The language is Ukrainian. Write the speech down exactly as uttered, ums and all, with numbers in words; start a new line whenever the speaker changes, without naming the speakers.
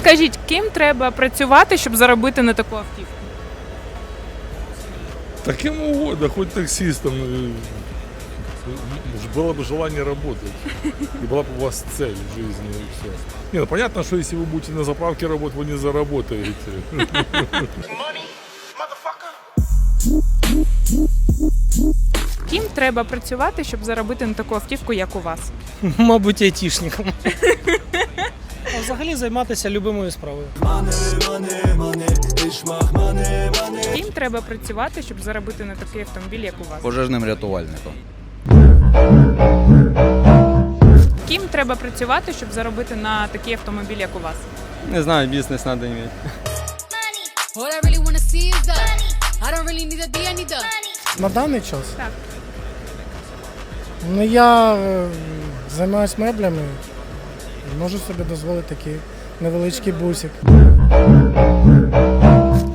Скажіть, ким треба працювати, щоб заробити на таку автівку?
Таким угодно, хоть таксистом. э, Было бы желание работать. И была бы у вас цель в жизни. И все. Не, ну понятно, что если вы будете на заправке работать, вы не заработаете.
Ким треба працювати, щоб заробити на таку автівку, як у вас?
Мабуть, айтішником. А взагалі займатися любимою справою.
Ким треба працювати, щоб заробити на такий автомобіль, як у вас?
Пожежним рятувальником.
Ким треба працювати, щоб заробити на такий автомобіль, як у вас?
Не знаю, бізнес треба мати.
All I really wanna see is the I don't really need a D, I need the
На даний час?
Так.
Ну я е, займаюся меблями, можу собі дозволити такий невеличкий бусик.